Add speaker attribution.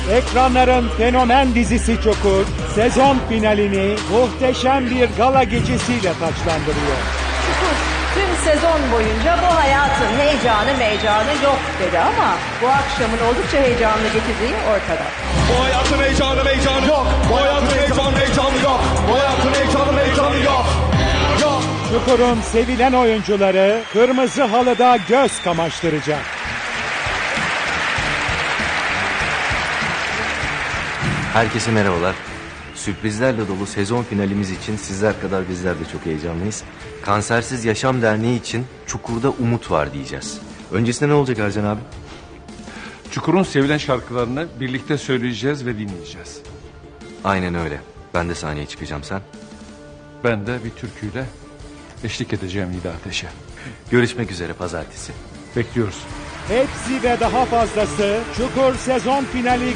Speaker 1: Ekranların fenomen dizisi Çukur, sezon finalini muhteşem bir gala gecesiyle taçlandırıyor.
Speaker 2: Çukur tüm sezon boyunca bu hayatın heyecanı meycanı yok dedi ama bu akşamın oldukça heyecanlı getirdiği ortada.
Speaker 3: Bu hayatın heyecanı meycanı yok. Bu hayatın heyecanı meycanı yok. Bu hayatın heyecanı meycanı yok. Yok.
Speaker 1: Çukur'un sevilen oyuncuları kırmızı halıda göz kamaştıracak.
Speaker 4: Herkese merhabalar. Sürprizlerle dolu sezon finalimiz için sizler kadar bizler de çok heyecanlıyız. Kansersiz Yaşam Derneği için Çukur'da umut var diyeceğiz. Öncesinde ne olacak Ercan abi?
Speaker 5: Çukur'un sevilen şarkılarını birlikte söyleyeceğiz ve dinleyeceğiz.
Speaker 4: Aynen öyle. Ben de sahneye çıkacağım, sen.
Speaker 5: Ben de bir türküyle eşlik edeceğim Nida Ateş'e.
Speaker 4: Görüşmek üzere pazartesi.
Speaker 5: Bekliyoruz.
Speaker 1: Hepsi ve daha fazlası Çukur sezon finali